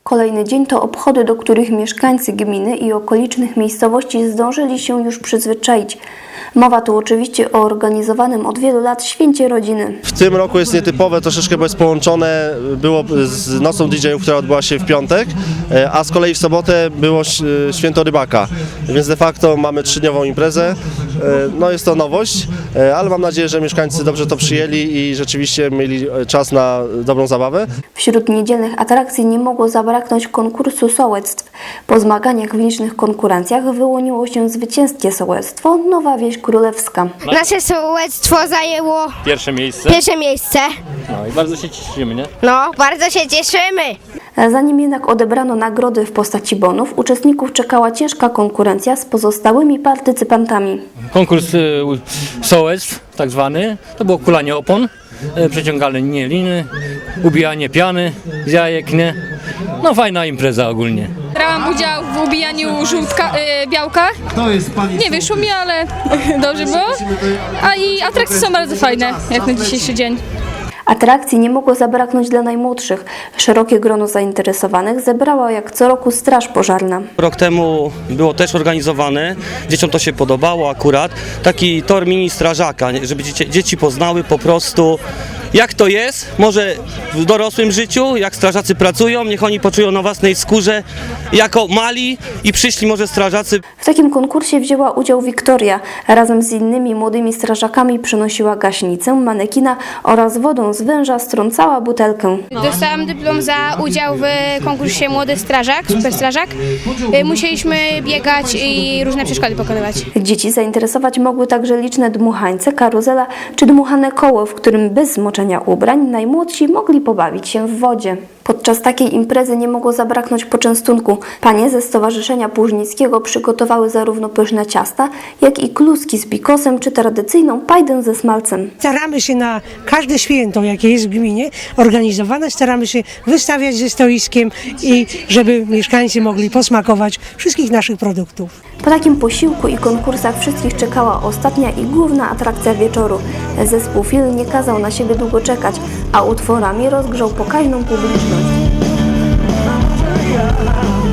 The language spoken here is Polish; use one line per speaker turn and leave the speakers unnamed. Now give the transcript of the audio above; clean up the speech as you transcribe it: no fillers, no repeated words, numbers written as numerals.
Kolejny dzień to obchody, do których mieszkańcy gminy i okolicznych miejscowości zdążyli się już przyzwyczaić. Mowa tu oczywiście o organizowanym od wielu lat święcie rodziny.
W tym roku jest nietypowe troszeczkę, bo jest połączone było z nocą DJ-ów, która odbyła się w piątek, a z kolei w sobotę było święto rybaka, więc de facto mamy 3-dniową imprezę. No jest to nowość, ale mam nadzieję, że mieszkańcy dobrze to przyjęli i rzeczywiście mieli czas na dobrą zabawę.
Wśród niedzielnych atrakcji nie mogło zabraknąć konkursu sołectw. Po zmaganiach w licznych konkurencjach wyłoniło się zwycięskie sołectwo Nowa Wieś Królewska.
Nasze sołectwo zajęło
Pierwsze miejsce.
No
I bardzo się cieszymy, nie?
No, bardzo się cieszymy.
Zanim jednak odebrano nagrody w postaci bonów, uczestników czekała ciężka konkurencja z pozostałymi partycypantami.
Konkurs sołectw, tak zwany, to było kulanie opon, przeciąganie liny, ubijanie piany z jajek, nie? No fajna impreza ogólnie.
Brałam udział w ubijaniu białka. Nie wyszło mi, ale dobrze było. A i atrakcje są bardzo fajne, jak na dzisiejszy dzień.
Atrakcji nie mogło zabraknąć dla najmłodszych. Szerokie grono zainteresowanych zebrała jak co roku Straż Pożarna.
Rok temu było też organizowane, dzieciom to się podobało akurat, taki tor mini strażaka, żeby dzieci poznały po prostu jak to jest, może w dorosłym życiu, jak strażacy pracują, niech oni poczują na własnej skórze jako mali i przyszli może strażacy.
W takim konkursie wzięła udział Wiktoria. Razem z innymi młodymi strażakami przynosiła gaśnicę, manekina oraz wodą z węża strącała butelkę.
Dostałam dyplom za udział w konkursie Młody Strażak, Super Strażak. Musieliśmy biegać i różne przeszkody pokonywać.
Dzieci zainteresować mogły także liczne dmuchańce, karuzela czy dmuchane koło, w którym bez zmoczenia ubrań najmłodsi mogli pobawić się w wodzie. Podczas takiej imprezy nie mogło zabraknąć poczęstunku. Panie ze Stowarzyszenia Płużnickiego przygotowały zarówno pyszne ciasta, jak i kluski z bikosem czy tradycyjną pajdę ze smalcem.
Staramy się na każde święto, jakie jest w gminie organizowane, staramy się wystawiać ze stoiskiem i żeby mieszkańcy mogli posmakować wszystkich naszych produktów.
Po takim posiłku i konkursach wszystkich czekała ostatnia i główna atrakcja wieczoru. Zespół Fil nie kazał na siebie długo czekać, a utworami rozgrzał pokaźną publiczność.